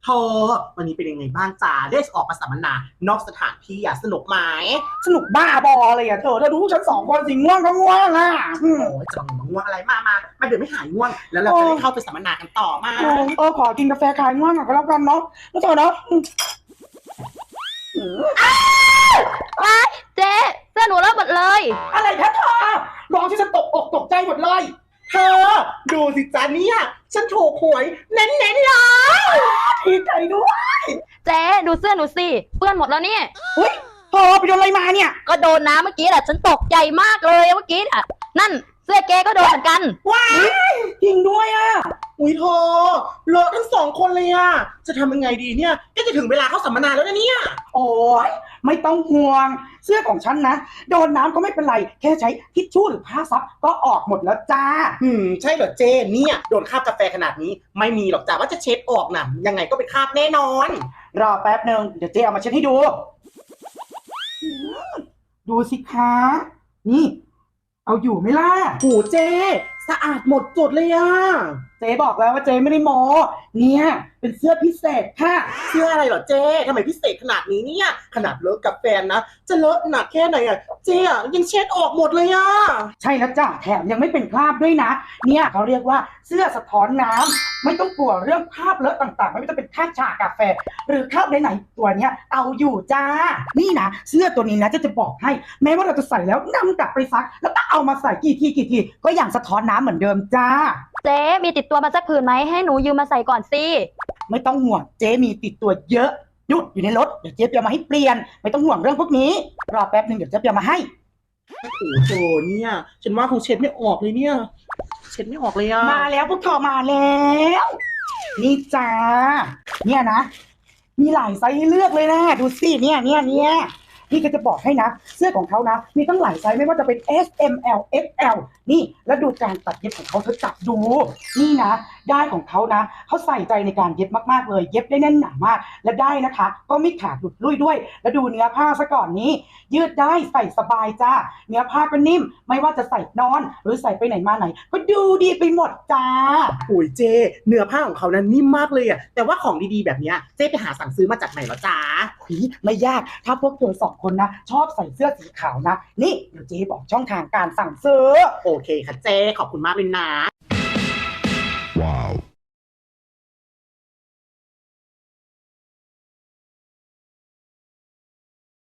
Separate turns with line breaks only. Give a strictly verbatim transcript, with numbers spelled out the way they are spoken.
เธอวันนี้เป็นยังไงบ้างจ้าได้ออกมาสัมมนานอกสถานที่อ่ะสนุกไหม
สนุกบ้าบออะไรอ่ะเธอเธอดูฉันสองคนสิง่วงก็ง่วงอ่ะอืม
โอ้ยจะมาง่วงอะไรมามามาเดี๋ยวไม่หายง่วงแล้วเราจะได้เข้าไปสัมมนากันต่อมา
เออเออขอกินกาแฟคลายง่วงหน่อยก็แล้วกันเนาะแล้วเธอเนาะอืมอืม
ว้ายเจ๊เสื้อหนูเลอะหมดเลย
อะไรคะเธอร้องที่ฉันตกอกตกใจหมดเลย
เธอดูสิจ้าเนี่ยฉันถูกหวยเน้นๆเลย
ดีใจด้วย
เจ๊ดูเสื้อหนูสิเปื้อนหมดแล้วเนี่ย
เฮ้ยเธอไปโดนอะไรมาเนี่ย
ก็โดนน้ำเมื่อกี้แหละฉันตกใจมากเลยเมื่อกี้น่ะนั่นเสื้อเจ๊ก็โดนเหมือนกัน
ว้ายจริงด้วยอ่ะ
อุ้ยเธอเลอะทั้งสองคนเลยอ่ะจะทำยังไงดีเนี่ยก็จะถึงเวลาเข้าสัมมนาแล้วนะเนี่ย
โอ้ยไม่ต้องห่วงเสื้อของฉันนะโดนน้ำก็ไม่เป็นไรแค่ใช้ทิชชู่หรือผ้าซับก็ออกหมดแล้วจ้า
อืมใช่เหรอเจเนี่ยโดนคราบกาแฟขนาดนี้ไม่มีหรอกจ้าว่าจะเช็ดออกน่ะยังไงก็เป็นคราบแน่นอน
รอแป๊บหนึ่งเดี๋ยวเจ๊เอามาเช็ดให้ดูอืมดูสิคะนี่ เอาอยู่ไหมล่ะ
โหเจสะอาดหมดจดเลยอ่ะ
เจ๊บอกแล้วว่าเจ๊ไม่ได้โมเนี่ยเป็นเสื้อพิเศษค่ะ
เสื้ออะไรเหรอเจทำไมพิเศษขนาดนี้เนี่ยขนาดเลอะกับแฟนนะจะเลอะหนักแค่ไหนอ่ะเจอ่ะยังเช็ดออกหมดเลยอ่ะ
ใช่แล้วจ้ะแถมยังไม่เป็นคราบด้วยนะ เนี่ยเขาเรียกว่าเสื้อสะท้อนน้ำไม่ต้องกลัวเรื่องคราบเลอะต่างๆ ไม่ว่าจะเป็นคราบชากาแฟ หรือคราบไหนๆตัวเนี้ยเอาอยู่จ้า นี่นะเสื้อตัวนี้นะจะจะบอกให้ แม้ว่าเราจะใส่แล้วนำกลับไปซัก แล้วก็เอามาใส่กี่ทีกี่ทีก็ยังสะท้อนน้ำเหมือนเดิมจ้า
เจ๊มีติดตัวมาสักผืนไหมให้หนูยืมมาใส่ก่อนสิ
ไม่ต้องห่วงเจ๊มีติดตัวเยอะหยุดอยู่ในรถเดี๋ยวเจ๊เปียมาให้เปลี่ยน ไม่ต้องห่วงเรื่องพวกนี้รอแป๊บหนึ่งเดี๋ยวเจ๊เปียมาให้
โอ้โหโจเนี่ยฉันว่าคงเช็ดไม่ออกเลยเนี่ย เช็ดไม่ออกเลยอ่ะ
มาแล้วพวกเธอมาแล้ว นี่จ้าเนี่ยนะ มีหลายไซส์ให้เลือกเลยนะดูสิเนี่ยเนี่ยเนี่ยนี่ก็จะบอกให้นะ เสื้อของเขานะ มีตั้งหลายไซส์ไม่ว่าจะเป็น เอส เอ็ม แอล เอ็กซ์ แอล นี่แล้วดูการตัดเย็บของเขาเธอจับดู นี่นะ ได้ายของเขานะเขาใส่ใจในการเย็บมากๆเลย เย็บได้แน่นหนามาก และได้นะคะ ก็ไม่ขาดหลุดลุ่ยด้วย แล้วดูเนื้อผ้าซะก่อนนี้ ยืดได้ใส่สบายจ้าเนื้อผ้าก็นิ่ม ไม่ว่าจะใส่นอน หรือใส่ไปไหนมาไหน ก็ดูดีไปหมดจ้า
โอ้ยเจเนื้อผ้าของเขานั้นนิ่มมากเลยอ่ะแต่ว่าของดีๆแบบเนี้ยเจไปหาสั่งซื้อมาจากไหนเหรอจ๊ะ
หุยไม่ยาก ถ้าพวกเธอสองคนนะ ชอบใส่เสื้อสีขาวนะ นี่เดี๋ยวเจ๊บอกช่องทางการสั่งซื้อ
โอเคค่ะเจขอบคุณมากเลยนะ